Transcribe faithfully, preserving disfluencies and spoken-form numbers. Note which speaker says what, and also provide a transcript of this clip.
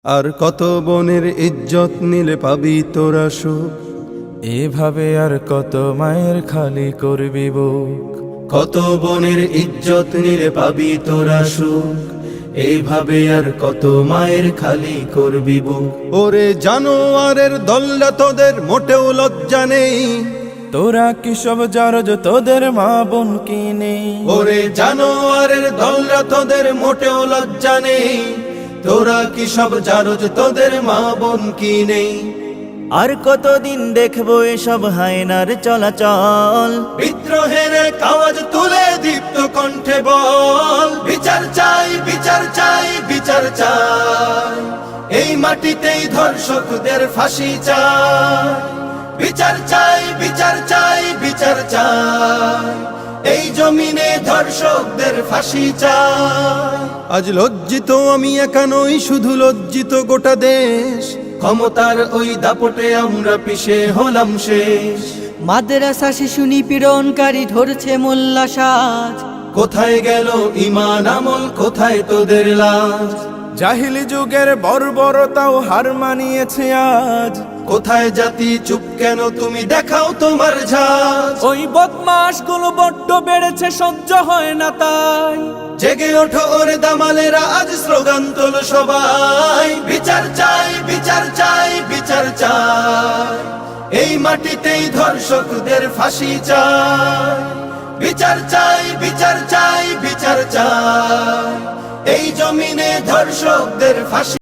Speaker 1: আর কত বনের ইজ্জত নিলে পাবি তোরা সুখ,
Speaker 2: এভাবে আর কত মায়ের খালি করবি বুক।
Speaker 1: কত বনের ইজ্জত নিলে পাবি তোরা সুখ, এইভাবে আর কত মায়ের খালি করবি বুক। ওরে জানোয়ারের দল্লা তোদের মোটেও লজ্জা নেই,
Speaker 2: তোরা কি সব জারজ তোদের মা বোন কি নেই?
Speaker 1: ওরে জানোয়ারের দল্লা তোদের মোটেও লজ্জা নেই, তোরা কি সব জারজ তোদের মা বোন কি নেই?
Speaker 3: আর কতদিন দেখবো এসব হায়নার চলাচল,
Speaker 1: বিদ্রোহের আওয়াজ তুলে দীপ্ত কণ্ঠে বল, বিচার চাই বিচার চাই বিচার চাই, এই মাটিতেই ধর্ষকদের ফাঁসি চাই। বিচার চাই বিচার চাই বিচার চাই, এই জমিনে ধর্ষকদের ফাঁসি চাই। আজ লজ্জিত আমি একা নই, শুধু লজ্জিত গোটা দেশ, ক্ষমতার ওই দাপটে আমরা পিছে হলাম শেষ।
Speaker 4: মাদ্রাসা শিশু নিপীড়নকারী ধরছে মোল্লা সাজ,
Speaker 1: কোথায় গেল ঈমান আমল, কোথায় তোদের লাজ?
Speaker 2: জাহিলি যুগের বর্বরতাও হার মানিয়েছে আজ।
Speaker 1: কোথায় জাতি চুপ কেন, তুমি দেখাও তোমার ঝাঁজ।
Speaker 2: ওই বদমাস গুলো বড্ড বেড়েছে, সহ্য হয় না তাই।
Speaker 1: জেগে ওঠো ওরে দামালেরা, আজ স্লোগান তোলো সবাই, বিচার চাই বিচার চাই বিচার চাই, এই মাটিতেই ধর্ষকদের ফাঁসি চাই। বিচার চাই বিচার চাই বিচার চাই, এই জমিনে ধর্ষকদের ফাঁসি